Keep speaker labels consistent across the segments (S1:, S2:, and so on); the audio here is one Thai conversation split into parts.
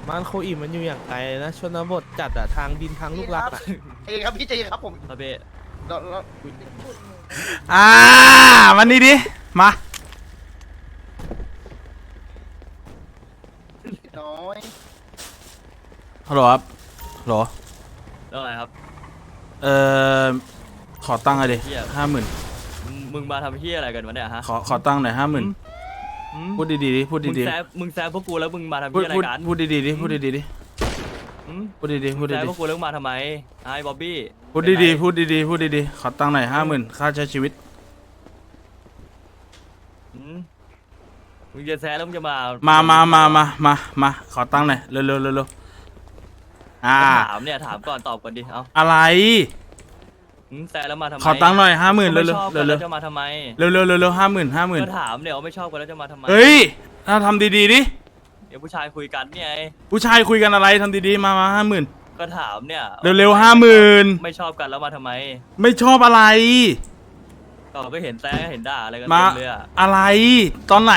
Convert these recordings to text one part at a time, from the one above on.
S1: บ้านโคอีมันอยู่อย่างไกลนะชนบทจัดอะทางดินทางลูกรักอะ
S2: เองครับพี่ใจเย็นครับผม
S3: ครับพี่
S2: เรา
S4: วันนี้ดิมา
S2: น้อย
S4: ฮัลโหลครับฮัลโหล
S3: แล้วอะไรครับ
S4: ขอตั้งหน่อยดิ
S3: เหี้ย
S4: 50,000
S3: มึงมาทำเฮียอะไรกันวะเนี่ยฮะ
S4: ขอตั้งหน่อย50,000พูดดีๆดิพูด
S3: มึง
S4: ดี
S3: แซะพวกกูแล้วมึงมาทำ
S4: ๆพู
S3: เฮี
S4: ด
S3: ยอะไร
S4: พูด
S3: กัน
S4: พูดดีๆดิพูดดีๆดิ
S3: อืม
S4: พูดดีๆพูด
S3: แซะ
S4: ดี
S3: พวกกูแล้วมึงมาทำไมไอ้บ๊อบบี้
S4: ๆพูดดีๆพูดดีๆพูดดีๆขอตั้งหน่อย50,000ค่าใช้ชีวิต
S3: อืมมึงจะแซะแล้วมึงจะมา
S4: มาขอตั้งหน่อยเร็ว
S3: ถามเนี่ยถามก่อนตอบก่อนดิเอา
S4: อะไร
S3: แซะแล้วมาทำไม
S4: ขอตั้งหน่อย50,000
S3: ก็
S4: เร็ว
S3: ไม่ชอบ
S4: ๆ
S3: กัน
S4: เร็
S3: แล้ว วจะมาทำไม
S4: ๆเร็วๆ50,000
S3: ก็ถามเนี่ยว่าไม่ชอบกันแล้วจะมาทำไม
S4: เฮ้ยถ้าทำดีๆดิ
S3: เดี๋ยวผู้ชายคุยกันเนี่ยไง
S4: ผู้ชายคุยกันอะไรทำดีๆมา50,000
S3: ก็ถามเนี่ย
S4: เร็วๆ50,000
S3: ไม่ชอบกันแล้วมาทำไม
S4: ไม่ชอบอะไร
S3: ก็เห็นแซะเห็นด่าอะไรกัน
S4: มา
S3: เต็มเลยอะ
S4: อะไรตอนไหน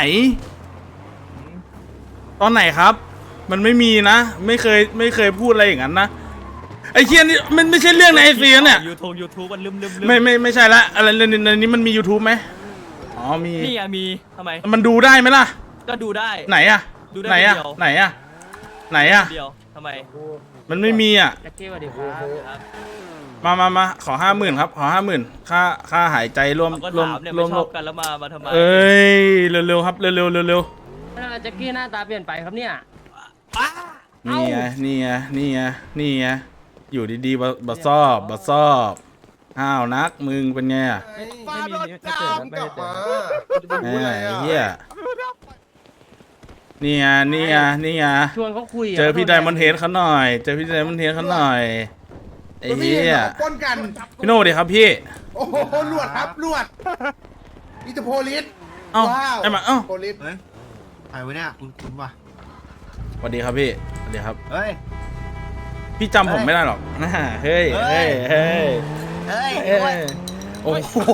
S4: ตอนไหนครับ มันไม่มีนะ ไม่เคยพูดอะไรอย่างนั้นนะไอ้เคียนี่มันไม่ใช่เรื่องในไอซีเนี่ย
S3: ยูทูบมันลืม
S4: ไม่ใช่ละอะไรในนี้มันมี YouTube ไหมอ๋อมี
S3: นี่ไงมีทำไม
S4: มันดูได้ไหมล่ะ
S3: ก็ดูได้
S4: ไหนอะ
S3: ดูได้
S4: ไหนอะ
S3: เดียว
S4: ไหนอะไหนอะ
S3: เดียวทำไม
S4: มันไม่มีอะ
S1: แจ็คกี้สวัสดีครับ
S4: มาขอ50,000ครับขอ50,000ค่าหายใจร่วม
S3: ก็
S4: ร่วม
S3: ถามเนี่ย
S4: ร่
S3: ไม่
S4: วม
S3: ชอบกันแล้วมาทำไม
S4: เอ้ยเร็วๆครับเร็ว
S5: แจ็คกี้หน้าตาเปลี่ยนไปครับเนี่ย
S4: นี่ไงนี่ไงอยู่ดีๆบะซอบห้าวนักมึงเป็นไงอะ
S2: ฟาดรถตามกลับมา
S4: ไอ้เหี้ยนี่ไง
S5: ชวนเขาคุยะ
S4: เจอพี่ไดมอนด์เฮดเขาหน่อยไอ้เหี้ย
S2: ปล้นกัน
S4: พี่โน่ดิครับพี่
S2: โอ้โหลวดครับลวดอิตาโพลิส
S4: เอ้า
S2: ว้าว
S4: ไอ้มาเอ้า
S2: โพลิส
S6: เฮ้ยใครวะเนี่ยคุณวะ
S4: สวัสดีครับพี่สวัสดีครับ
S6: เฮ้ย
S4: พี่จำผมไม่ได้หรอกเฮ้ย
S6: เฮ้ย
S4: เฮ้ย
S6: เฮ้ย
S4: เฮ้ยโอ้โห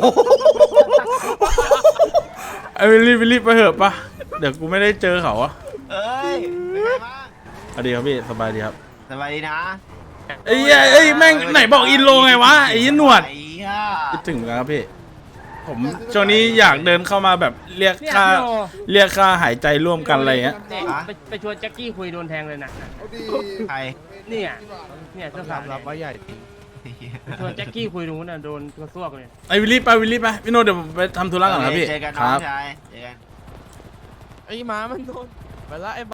S4: ไอ้วิลลี่ไปเหอะปะเดี๋ยวกูไม่ได้เจอเขาอะ
S6: เฮ้ยเป็นไงบ้าง
S4: สวัสดีครับพี่สบายดีครับ
S6: สบายดีนะ
S4: ไอ้เหี้ยเอ้ยแม่งไหนบอกอินโลไงวะไอ้ยี่หนวด
S6: ไอ้เหี้ย
S4: คิดถึงเหมือนกันครับพี่ผมช่วงนี้อยากเดินเข้ามาแบบเรียก
S5: เนี่ย
S4: ค่า
S5: พี่โอ
S4: เรียกค่าหายใจร่วมกันอะไรเงี้ย
S5: เนี่ยไปชวนแจ็คกี้คุยโดนแทงเลยนะ
S2: เอาดี
S6: ใคร
S5: เนี่ยเสื้อขาว
S1: รับว่าใหญ่จริง
S6: ไอ้เหี้ย
S5: ชวนแจ็คกี้คุยตรงนู้นน่ะโดนกระซวกเลย
S4: ไอ้วิลลี่ไปพี่โน้ตเดี๋ยวผมไปทำธุระก่อนครับพี่
S6: เจอกัน
S4: ค
S6: น้อ
S4: รั
S6: ง
S4: บ
S6: ชายเจอกัน
S1: ไอ้หมามันโดนไปละไอ้